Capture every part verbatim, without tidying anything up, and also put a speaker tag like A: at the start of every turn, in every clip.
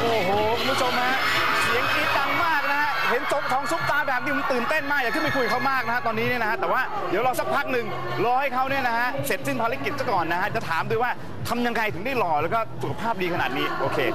A: โอ้โหคุณผู้ชมฮะเสียงกรี๊ดดังมากนะฮะเห็นจบของซุปตาแบบนี้มันตื่นเต้นมากอยากขึ้นไปคุยเขามากนะฮะตอนนี้เนี่ยนะฮะแต่ว่าเดี๋ยวรอสักพักหนึ่งรอให้เขาเนี่ยนะฮะเสร็จสิ้นภารกิจซะก่อนนะฮะจะถามด้วยว่าทำยังไงถึงได้หล่อแล้วก็สุขภาพดีขนาดนี้โอเค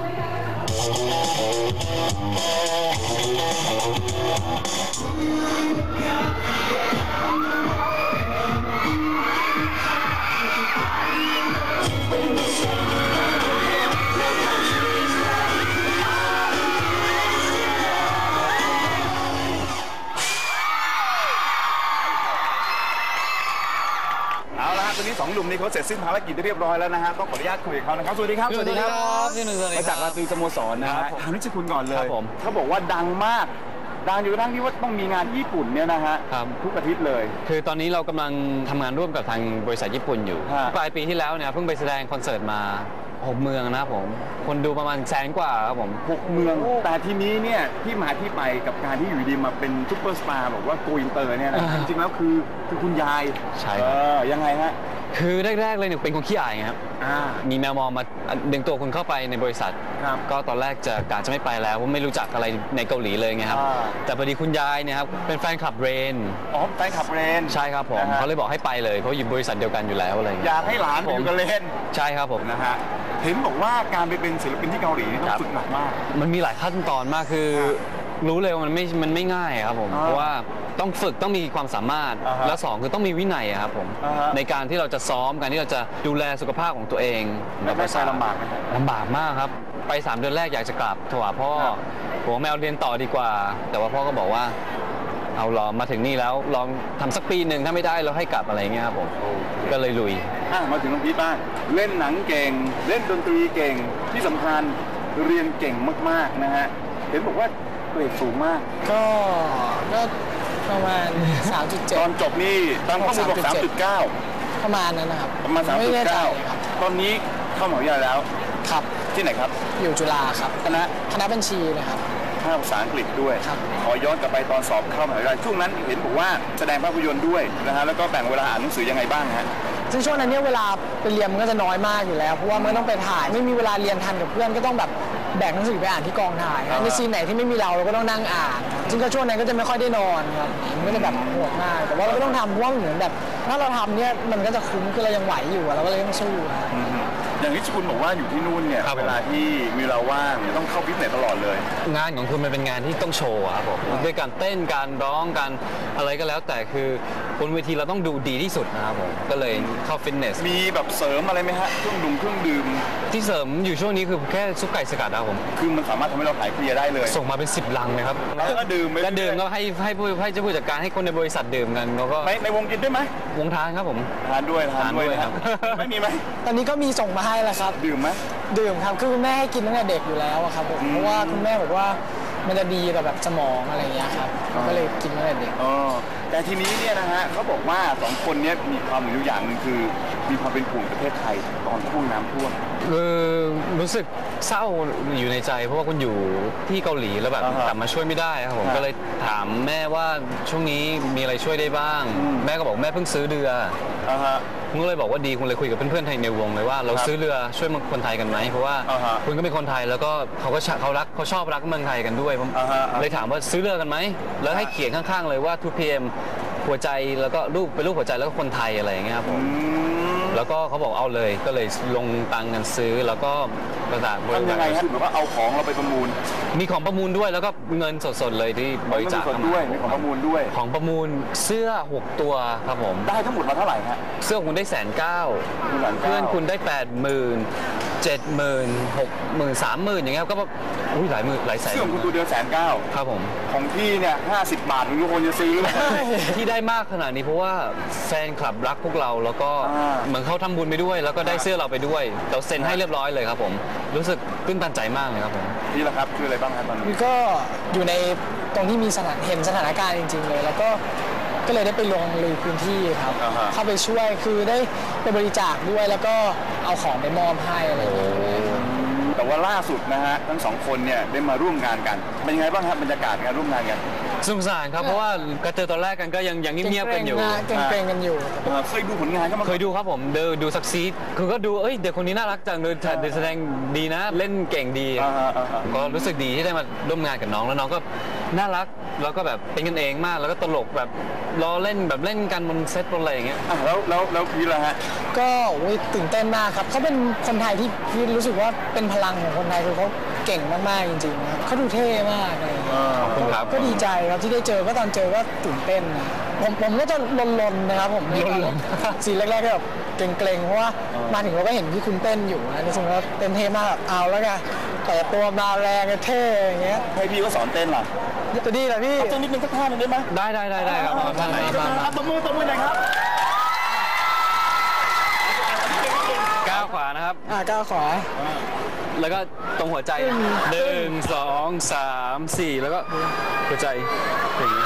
A: ตอนนี้สองหนุ่มนี้เขาเสร็จสิ้นภารกิจเรียบร้อยแล้วนะฮะต้องขออนุญาตคุยกับเขานะครับสวัสดีครับ
B: สวัสดีครับพี่หนึ่ง
A: มาจากราตรีสโมสรนะฮะถามนิชคุณก่อนเลย
B: ผม
A: เขาบอกว่าดังมากดังอยู่กระทั่งที่ว่าต้องมีงานญี่ปุ่นเนี่ยนะฮะทุกอาทิตย์เลย
B: คือตอนนี้เรากำลังทำงานร่วมกับทางบริษัทญี่ปุ่นอยู่ปลายปีที่แล้วเนี่ยเพิ่งไปแสดงคอนเสิร์ตมาหกเมืองนะครับผมคนดูประมาณแสนกว่าครับผม
A: หกเมืองแต่ทีนี้เนี่ยที่มาที่ไปกับการที่อยู่ดีมาเป็นซุปเปอร์สตาร์บอกว่าโกอินเตอร์เนี่ยนะจริงๆแล้วคือคือคุณยาย
B: ใช่
A: ยังไงฮะ
B: คือแรกๆเลยเนี่ยเป็นคนขี้อายครับมีแมวมองมาดึงตัวคุณเข้าไปในบริษัทก็ตอนแรกจะกะจะไม่ไปแล้วเพราะไม่รู้จักอะไรในเกาหลีเลยไงครับแต่พอดีคุณยายเนี่ยครับเป็นแฟนคลับเรน
A: อ๋อแฟนคลับเรน
B: ใช่ครับผมเขาเลยบอกให้ไปเลยเพราะอยู่บริษัทเดียวกันอยู่แล้วอะไร
A: อยากให้หลานไปอยู่กับเรน
B: ใช่ครับผม
A: นะฮะเห็นบอกว่าการไปเป็นศิลปินที่เกาหลีต้องฝึกหนักมาก
B: มันมีหลายขั้นตอนมากคือรู้เลยว่ามันไม่มันไม่ง่ายครับผมเพราะว่าต้องฝึกต้องมีความสามารถแล้วสองคือต้องมีวินัยครับผมในการที่เราจะซ้อมการที่เราจะดูแลสุขภาพของตัวเอง
A: ไม่ใช่ลำบาก
B: ลำบากมากครับไปสามเดือนแรกอยากจะกลับถวายพ่อผมแมวเรียนต่อดีกว่าแต่ว่าพ่อก็บอกว่าเอาลองมาถึงนี่แล้วลองทำสักปีหนึ่งถ้าไม่ได้เราให้กลับอะไรเงี้ยครับผมก็เลยลุย
A: มาถึงน้องพีทบ้างเล่นหนังเก่งเล่นดนตรีเก่งที่สำคัญเรียนเก่งมากๆนะฮะเห็นบอกว่าเกรดสูงมาก
C: ก็ก็ประมาณ สามจุดเจ็ด
A: ตอนจบนี่ตามข้อมูลบอก สามจุดเก้า
C: ประมาณนั้นนะครับ
A: ประมาณ สามจุดเก้า ตอนนี้เข้ามหาวิทยาลัยแล้ว
C: ครับ
A: ที่ไหนครับ
C: อยู่จุฬาครับ
A: คณะ
C: คณะบัญชีนะครับ
A: ภาษาอังกฤษด้วยขอย้อนกลับไปตอนสอบเข้ามหาวิทยาลัยช่วงนั้นเห็นบอกว่าแสดงภาพยนตร์ด้วยนะฮะแล้วก็แบ่งเวลาอ่านหนังสือยังไงบ้างฮะ
C: ซึ่งช่วงนั้นเนี่ยเวลาไปเรียนมันก็จะน้อยมากอยู่แล้วเพราะว่ามันต้องไปถ่ายไม่มีเวลาเรียนทันกับเพื่อนก็ต้องแบบแบ่งหนังสือไปอ่านที่กองถ่ายในซีนไหนที่ไม่มีเราเราก็ต้องนั่งอ่านซึ่งก็ช่วงนั้นก็จะไม่ค่อยได้นอนครับมันก็จะแบบโหดมากแต่ว่าเราก็ต้องทำเพราะว่าเหมือนแบบถ้าเราทำเนี่ยมันก็จะคุ้มคือเรายังไหวอยู่เราก็เลยต้องสู้
A: อย่างที่คุณบอกว่าอยู่ที่นู่นเนี่ยเวลาที่มีเวลาว่างต้องเข้าฟิตเนสตลอดเลย
B: งานของคุณมันเป็นงานที่ต้องโชว์ครับผมด้วยการเต้นการร้องการอะไรก็แล้วแต่คือบนเวทีเราต้องดูดีที่สุดนะครับผมก็เลยเข้าฟิตเนส
A: มีแบบเสริมอะไรไหมฮะเครื่องดื่มเครื่องดื่ม
B: ที่เสริมอยู่ช่วงนี้คือแค่ซุปไก่สกัดนะครับผม
A: คือมันสามารถทำให้เราหายเพลียได้เลย
B: ส่งมาเป็นสิบลังเลยครับ
A: แล้วก็ดื่ม
B: แล้วดื่มก็ให้ให้ผู้ให้เจ้าผู้จัดการให้คนในบริษัทดื่มกันแล้วก็
A: ในในวงกินด้วยไหม
B: วงทานครับผม
A: ทานด้วยทานด้วยครับไม่มีไหม
C: ตอนนี้ก็มีส่งมาให้แล้วครับ
A: ดื่มไหม
C: ดื่มครับคือคุณแม่ให้กินตั้งแต่เด็กอยู่แล้วครับผมเพราะว่าคุณแม่บอกว่ามันจะดีกับแบบสมองอะไรอย่างเงี้ยครับก็เลยกินตั้งแต่เด็ก
A: อ๋อแต่ทีนี้เนี่ยนะฮะเขาบอกว่าสองคนนี้มีความอยู่อย่างหนึ่งคือมีความเป็นห่วงประเทศไทยตอนช่วงน้ำท่วม
B: คือรู้สึกเศร้าอยู่ในใจเพราะว่าคุณอยู่ที่เกาหลีแล้วแบบกลับมาช่วยไม่ได้ครับผมก็เลยถามแม่ว่าช่วงนี้มีอะไรช่วยได้บ้างแม่ก็บอกแม่เพิ่งซื้อเรือคุณก็เลยบอกว่าดีคุณเลยคุยกับเพื่อนๆไทยในวงเลยว่าเราซื้อเรือช่วยคนไทยกันไหมเพราะว่าคุณก็เป็นคนไทยแล้วก็เขาก็เขารักเขาชอบรักเมืองไทยกันด้วยเลยถามว่าซื้อเรือกันไหมแล้วให้เขียนข้างๆเลยว่า ทู พี เอ็ม หัวใจแล้วก็รูปเป็นรูปหัวใจแล้วก็คนไทยอะไรอย่างเงี้ยครับผมแล้วก็เขาบอกเอาเลยก็เลยลงตังค์กันซื้อแล้วก็ประสาน
A: บริษัททำยังไงครับหรือว่าเอาของเราไปประมูล
B: มีของประมูลด้วยแล้วก็เงินสดๆเลยที่บริจาค
A: ด้วยมีของประมูลด้วย
B: ของประมูลเสื้อหกตัวครับผม
A: ได้ทั้งหมดมาเท่าไหร่ฮะ
B: เสื้อคุณได้แสนเก้าเพื่อนคุณได้แปดหมื่นเจ็ดหมื่นหกหมื่นสามหมื่นอย่างเงี้ยก็แบบอุ้ยหลายหมื่นหลายแสน
A: เสื้อคุณตัวเดียวแสนเก้า
B: ครับผม
A: ของพี่เนี่ยห้าสิบบาททุกคนจะซื้อ
B: ที่ได้มากขนาดนี้เพราะว่าแฟนคลับรักพวกเราแล้วก็เหมือนเขาทำบุญไปด้วยแล้วก็ได้เสื้อเราไปด้วยเราเซ็นให้เรียบร้อยเลยครับผมรู้สึกตื้นตันใจมากเลยครับผม
A: นี่แหละครับคืออะไรบ้างครับตอนนี้
C: ก็อยู่ในตรงที่มีสถานเห็นสถานการณ์จริงๆเลยแล้วก็ก็เลยได้ไปลงลุยพื้นที่ครับเข้าไปช่วยคือได้ไปบริจาคด้วยแล้วก็เอาของไปมอบให้อะไรอย่างเงี้ย
A: แต่แต่ว่าล่าสุดนะฮะทั้งสองคนเนี่ยได้มาร่วมงานกันเป็นยังไงบ้างครับบรรยากาศการร่วมงานกัน
B: สนุกสนานครับเพราะว่าก็เจอตอนแรกกันก็ยังยังเงียบๆกันอยู่
C: เกรงๆกันอยู่
A: เอ่อเคยดูผลงานก็มา
B: เคยดูครับผมดูดูซักซีดคือก็ดูเอ้ยเด็กคนนี้น่ารักจังเลยเด็กแสดงดีนะ เล่นเก่งดี
A: อ่าฮะอ่าฮะ
B: ก็รู้สึกดีที่ได้มาร่วมงานกับน้องแล้วน้องก็น่ารักแล้วก็แบบเป็นกันเองมากแล้วก็ตลกแบบล้อเล่นแบบเล่นกันบนเซตบนอะไรอย่างเงี้ย
A: อ่ะแล้วแล้วแล้วพีทล่ะฮะ
C: ก็โอ้ยตื่นเต้นมากครับเขาเป็นคนไทยที่พี่รู้สึกว่าเป็นพลังของคนไทยคือเขาเก่งมากๆจริงๆครับเขาดูเท่มากอะไรอย่างเงี้ย
B: ขอบคุณครับ
C: ก็ดีใจครับที่ได้เจอก็ตอนเจอก็ตื่นเต้นนะผมผมก็จะลนๆนะครับผมลนๆสีแรกๆก็แบบเกรงๆเพราะว่ามาถึงเราก็เห็นพี่คุณเต้นอยู่นะในส่วนว่าเต้นเท่มากแบบเอาแล้วกันเปิดตัวมาแรงเท่อย่างเงี้ย
A: ให้พี่ก็สอนเต้นล่ะ
C: จะดีเหรอพี่
A: เต้นนิดนึงสักท่าหนึงได้ไหม
B: ได้ได้ได้ได้ครับมามามามา
A: ตบมือตบมือหน่อยครับ
B: ก้าวขวานะครับ
C: อ่าก้าวขวา
B: แล้วก็ตรงหัวใจหนึ่งสองสามสี่แล้วก็หัวใจอย่างนี้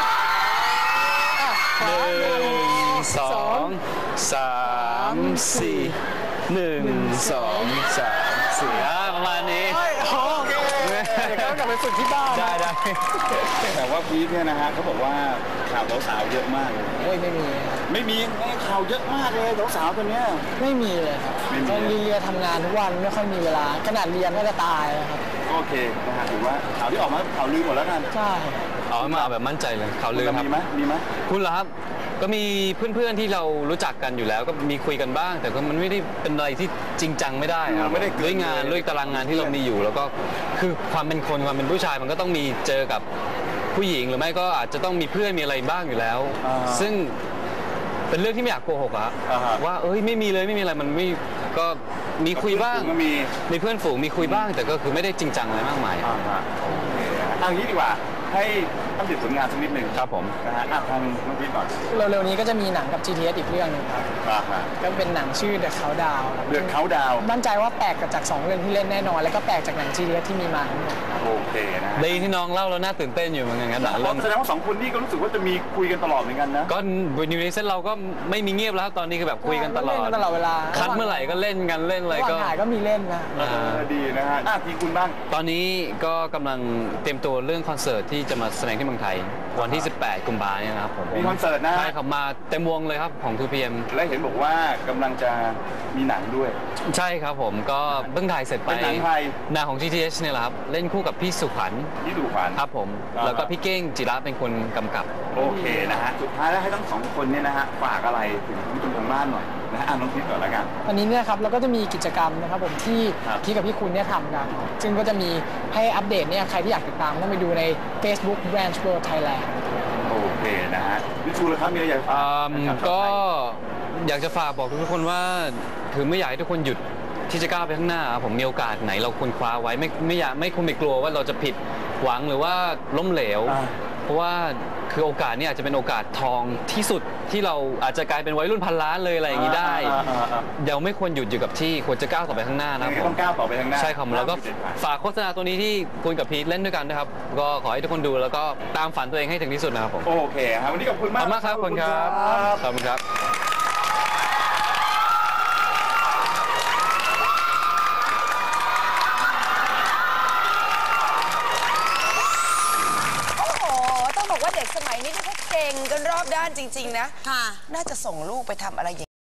B: หนึ่งสองสามสี่หนึ่งสองสามสี่อ่าประมาณนี้
C: โอเคเดี๋ยวก็กลับไปฝึกที่บ้าน
B: ได้ได้
A: แต่ว่าพีทเนี่ยนะฮะเขาบอกว่าข่าวสาวๆเยอะมากเลย
C: โอ้ยไม่มี
A: ไม่มีข่าวเยอะมากเลยสาวๆคนเนี้ย
C: ไม่มีเลยครับ
A: ไม่มี
C: ตอนเรียนทำงานทุกวันไม่ค่อยมีเวลาขนาดเรียนก็จะตายแล้วครับ
A: โอเคนะฮะถือว่าข่าวที่ออกมาข่าวลือหมดแล้วกัน
C: ใช่
B: เอามาเอาแบบมั่นใจเลยข่าวลือครับ
A: มีไหมมีไหม
B: คุณเหรอครับก็มีเพื่อนๆที่เรารู้จักกันอยู่แล้วก็มีคุยกันบ้าง แต่ก็มันไม่ได้เป็นอะไรที่จริงจังไม่ได้ครับด้วยงานด้วยตารางงานที่เรามีอยู่ แล้วก็คือความเป็นคนความเป็นผู้ชายมันก็ต้องมีเจอกับผู้หญิงหรือไม่ก็อาจจะต้องมีเพื่อนมีอะไรบ้างอยู่แล้ว ซึ่งเป็นเรื่องที่ไม่อยากโกหกอะว่าเอ้ยไม่มีเลยไม่มีอะไรมันไม่ก็มีคุยบ้าง
A: ก็มี
B: มีเพื่อนฝูงมีคุยบ้าง แต่ก็คือไม่ได้จริงจังอะไรมากมาย
A: อ่าฮะโอเคนะฮะเอางี้ดีกว่าให้ตั้งติดผลงานสักนิดหนึ่ง
B: ครับผม
A: นะฮะอ่ะทางน้องพีทก่อน
C: เร็วๆนี้ก็จะมีหนังกับ จี ที เอส อีกเรื่องหนึงครับ
A: อ่าฮะ
C: ก็เป็นหนังชื่อ The Countdown ครับ
A: เดือดเขาดาวน์
C: มั่นใจว่าแปลกจากสองเรื่องที่เล่นแน่นอน แล้วก็แปลกจากหนัง จี ที เอส ที่มีมาทั้งหมด
A: โอเคนะฮะ
B: ดีที่น้องเล่าแล้วน่าตื่นเต้นอยู่เหมือนกันงั้นหนังเรื่อง
A: แสดงว่าสองคนนี้ก็รู้สึกว่าจะมีคุยกันตลอดเหมือนกันนะ
B: ก็อยู่ในเซตเราก็ไม่มีเงียบแล้วครับตอนนี้คือแบบคุยกันตลอ
C: เล่
B: ด
C: นกันตลอดเวลา
B: คัดเมื่อไหร่ก็เล่นกันเล่นอะไร
C: ระหว่าง
B: ก็
C: ถ่ายก็มีเล่นนะ
B: อ่า
A: เออดีนะฮะอ่ะทีคุณบ้าง
B: ตอนนี้ก็กำลังเตรียมตัวเรื่องคอนเสิร์ตที่จะมาแสดงที่เมืองไทย วันที่ สิบแปด กุมภาพันธ์เนี่ยนะครับผม
A: มีคอนเสิร์ตนะ
B: ใช่ครับมาเต็มวงเลยครับของ ทู พี เอ็ม
A: และเห็นบอกว่ากำลังจะมีหนังด้วย
B: ใช่ครับผมก็เพิ่งถ่ายเสร็จไป
A: เป็นหนังไทย
B: หนังของ จี ที เอช เนี่ยแหละครับเล่นคู่กับพี่สุขวัญ
A: ที่ดูขวัญ
B: ครับผม
A: อ่า
B: แล้วก็พี่เก้งจิระเป็นคนกำกับ
A: โอเคนะฮะสุดท้ายแล้วให้ทั้งสองคนเนี่ยนะฮะฝากอะไรถึงผู้ชมทางบ้านหน่อยนะฮะอ่ะน้องพีทก่อนละกัน
C: วันนี้เนี่ยครับเราก็จะมีกิจกรรมนะครับผมที่
A: ครับ
C: พี่กับพี่คุณเนี่ยทำกัน ซึ่งก็จะมีให้อัปเดตเนี่ยใครที่อยากติดตามต้องไปดูใน Facebook Branch World Thailand
A: โอเคนะฮะวิชูเลยครับมีอะไรอยากฝาก
B: อืม
A: นะครับ
B: ก็อยากจะฝากบอกทุกคนว่าคือไม่อยากให้ทุกคนหยุดที่จะก้าวไปข้างหน้าครับผมมีโอกาสไหนเราควรคว้าไว้ไม่ไม่อยากไม่ควรไปกลัวว่าเราจะผิดหวังหรือว่าล้มเหลว
A: อ่า
B: เพราะว่าคือโอกาสเนี่ยอาจจะเป็นโอกาสทองที่สุดที่เราอาจจะกลายเป็นวัยรุ่นพันล้านเลยอะไรอย่างนี้ได้
A: อ่าอ่าอ่า
B: เดี๋ยวไม่ควรหยุดอยู่กับที่ควรจะก้าวต่อไปข้างหน้านะครับ
A: ยังไง
B: ผ
A: ต้
B: ม
A: องก้าวต่อไปข้างหน้า
B: ใช่ครับแล้วก็
A: ห้ามหยุดเด็ดขาด
B: ฝากโฆษณาตัวนี้ที่คุณกับพีทเล่นด้วยกันนะครับก็ขอให้ทุกคนดูแล้วก็ตามฝันตัวเองให้ถึงที่สุดนะครับผม
A: โอเคครับวันนี้ขอบคุณ
B: ข
A: มา
B: อก บคุณมากครับขอบคุณครับ
A: ขอบ
B: ขอบคุณครับ
D: โอ้โห ต้องบอกว่าเด็กสมัยนี้นี่เขาเก่งกันรอบด้านจริง ๆ นะ
E: ค่ะ
D: น่าจะส่งลูกไปทำอะไรอย่าง